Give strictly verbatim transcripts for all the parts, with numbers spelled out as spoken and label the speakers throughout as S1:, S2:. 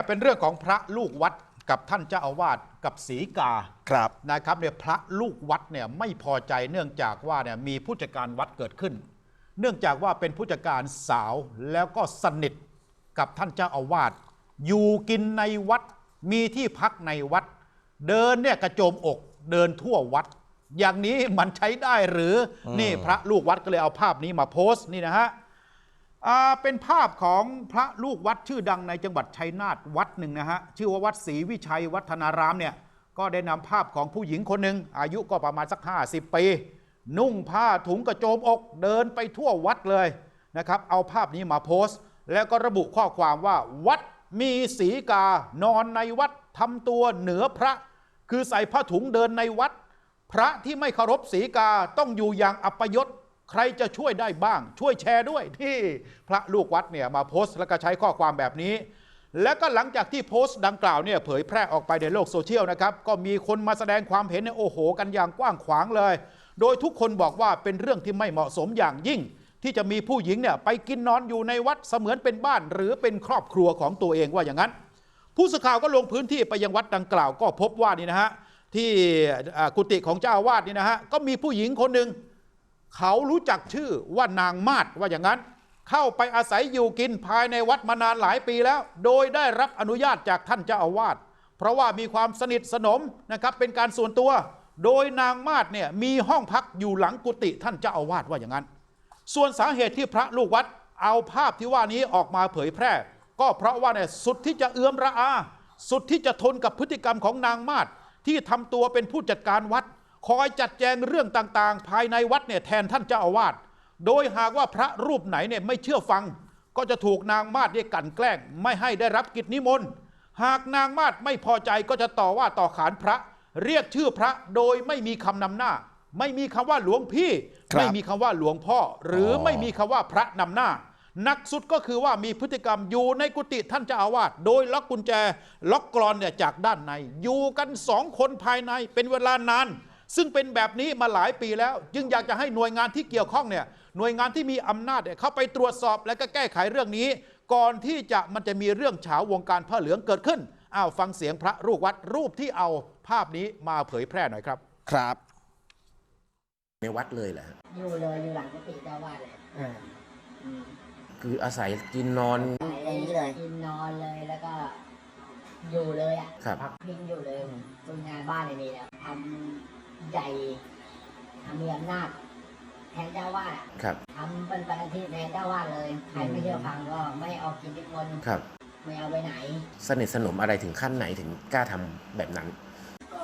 S1: เป็นเรื่องของพระลูกวัดกับท่านเจ้าอาวาสกับศรีกา
S2: ครับ
S1: นะครับเนี่ยพระลูกวัดเนี่ยไม่พอใจเนื่องจากว่าเนี่ยมีผู้จัดการวัดเกิดขึ้น เนื่องจากว่าเป็นผู้จัดการสาวแล้วก็สนิทกับท่านเจ้าอาวาสอยู่กินในวัดมีที่พักในวัดเดินเนี่ยกระโจมอกเดินทั่ววัดอย่างนี้มันใช้ได้หรือนี่พระลูกวัดก็เลยเอาภาพนี้มาโพสต์นี่นะฮะเป็นภาพของพระลูกวัดชื่อดังในจังหวัดชัยนาทวัดหนึ่งนะฮะชื่อว่าวัดศรีวิชัยวัฒนารามเนี่ยก็ได้นำภาพของผู้หญิงคนหนึ่งอายุก็ประมาณสักห้าสิบปีนุ่งผ้าถุงกระโจมอกเดินไปทั่ววัดเลยนะครับเอาภาพนี้มาโพสต์แล้วก็ระบุข้อความว่าวัดมีศรีกานอนในวัดทำตัวเหนือพระคือใส่ผ้าถุงเดินในวัดพระที่ไม่เคารพศรีกาต้องอยู่อย่างอัปยศใครจะช่วยได้บ้างช่วยแชร์ด้วยที่พระลูกวัดเนี่ยมาโพสต์แล้วก็ใช้ข้อความแบบนี้แล้วก็หลังจากที่โพสต์ดังกล่าวเนี่ยเผยแพร่ออกไปในโลกโซเชียลนะครับก็มีคนมาแสดงความเห็นในโอ้โหกันอย่างกว้างขวางเลยโดยทุกคนบอกว่าเป็นเรื่องที่ไม่เหมาะสมอย่างยิ่งที่จะมีผู้หญิงเนี่ยไปกินนอนอยู่ในวัดเสมือนเป็นบ้านหรือเป็นครอบครัวของตัวเองว่าอย่างนั้นผู้สื่อข่าวก็ลงพื้นที่ไปยังวัดดังกล่าวก็พบว่านี่นะฮะที่กุฏิของเจ้าอาวาสนี่นะฮะก็มีผู้หญิงคนหนึ่งเขารู้จักชื่อว่านางมาศว่าอย่างนั้นเข้าไปอาศัยอยู่กินภายในวัดมานานหลายปีแล้วโดยได้รับอนุญาตจากท่านเจ้าอาวาสเพราะว่ามีความสนิทสนมนะครับเป็นการส่วนตัวโดยนางมาศเนี่ยมีห้องพักอยู่หลังกุฏิท่านเจ้าอาวาสว่าอย่างนั้นส่วนสาเหตุที่พระลูกวัดเอาภาพที่ว่านี้ออกมาเผยแพร่ก็เพราะว่าเนี่ยสุดที่จะเอื้อมระอาสุดที่จะทนกับพฤติกรรมของนางมาศที่ทำตัวเป็นผู้จัดการวัดคอยจัดแจงเรื่องต่างๆภายในวัดเนี่ยแทนท่านเจ้าอาวาสโดยหากว่าพระรูปไหนเนี่ยไม่เชื่อฟังก็จะถูกนางมาศเนี่ยกลั่นแกล้งไม่ให้ได้รับกิจนิมนต์หากนางมาศไม่พอใจก็จะต่อว่าต่อขานพระเรียกชื่อพระโดยไม่มีคำนำหน้าไม่มีคำว่าหลวงพี่ไม่มีคำว่าหลวงพ่อหรือไม่มีคำว่าพระนำหน้าหนักสุดก็คือว่ามีพฤติกรรมอยู่ในกุฏิท่านเจ้าอาวาสโดยล็อกกุญแจล็อกกลอนเนี่ยจากด้านในอยู่กันสองคนภายในเป็นเวลานานซึ่งเป็นแบบนี้มาหลายปีแล้วจึงอยากจะให้หน่วยงานที่เกี่ยวข้องเนี่ยหน่วยงานที่มีอำนาจเนี่ยเข้าไปตรวจสอบและก็แก้ไขเรื่องนี้ก่อนที่จะมันจะมีเรื่องเฉาวงการผ้าเหลืองเกิดขึ้นอ้าวฟังเสียงพระลูกวัดรูปที่เอาภาพนี้มาเผยแพร่หน่อยครับ
S2: ครับ
S3: ในวัดเลยแหละ
S4: อยู่เลยอยู่หลังกุฏิเจ้าวาดเลย
S3: คืออาศัยกินนอน
S4: อย่างนี้เลยกินนอนเลยแล้วก็อยู่เลยอ่ะ
S3: ครับ
S4: พักพิงอยู่เลยทำงานบ้านในนี้แล้วทำใหญ่ทำมีอำนาจแทนเจ้าวาด
S3: ครับ
S4: ทำเป็นปฏิทินแทนเจ้าวาดเลยใครไม่เชื่อฟังก็ไม่ออกกินทุกคน
S3: ครับ
S4: ไม่เอาไปไหน
S3: สนิทสนมอะไรถึงขั้นไหนถึงกล้าทำแบบนั้น
S4: ก็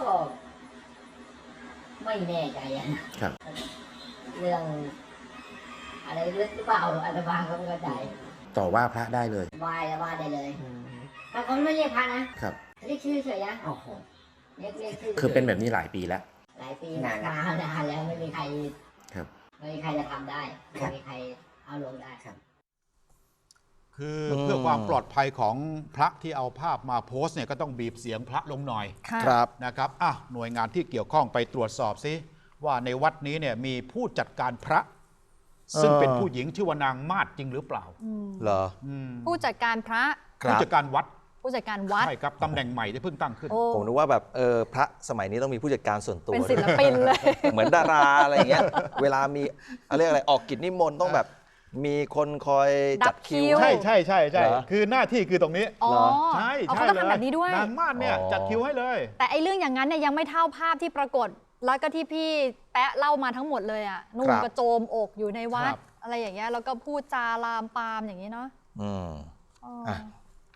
S4: ไม่แน่ใจนะครับเรื่องอะไรลึกหรือเปล่าอาตมาก็ไม่เข้าใจ
S3: ต่อว่าพระได้เลย
S4: ว่าจะว่าได้เลยถ้าเขาไม่เรียกพระนะครับเรียกชื่อเฉยนะ
S3: โอ้โห
S4: เรียกเรียกชื่อ
S3: คือเป็นแบบนี้หลายปีแล้ว
S4: หลายปีนานนานแล้วไม่มีใคร
S3: ครับ
S4: ไม่มีใครจะทำได้ไม่มีใครเอาลงได้ครับ
S1: คือเพื่อความปลอดภัยของพระที่เอาภาพมาโพสต์เนี่ยก็ต้องบีบเสียงพระลงหน่อย
S2: ครับ
S1: นะครับอ่ะหน่วยงานที่เกี่ยวข้องไปตรวจสอบซิว่าในวัดนี้เนี่ยมีผู้จัดการพระซึ่งเป็นผู้หญิงชื่อว่านางมาศจริงหรือเปล่า
S2: เหรอ
S5: ผู้จัดการพระ
S1: ผู้จัดการวัด
S5: ผู้จัดการวัด
S1: ใช่ครับตำแหน่งใหม่ที่เพิ่งตั้งขึ้น
S2: ผมนึกว่าแบบเออพระสมัยนี้ต้องมีผู้จัดการส่วนตัว
S5: เป็นศิลปินเลย
S2: เหมือนดาราอะไรเงี้ยเวลามีอะไรอะไรออกกิจนิมนต์ต้องแบบมีคนคอยจัดคิว
S1: ใช่ใช่ใช่ใช่คือหน้าที่คือตรงนี้
S5: อ๋อ
S1: ใช่
S5: เขาต้องทำแบบนี้ด้วย
S1: นางมาศเนี่ยจัดคิวให้เลย
S5: แต่ไอ้เรื่องอย่างนั้นเนี่ยยังไม่เท่าภาพที่ปรากฏแล้วก็ที่พี่แป๊ะเล่ามาทั้งหมดเลยอ่ะนุ่งกระโจมอกอยู่ในวัดอะไรอย่างเงี้ยแล้วก็พูดจาลามปามอย่างนี้เนาะ
S2: อืม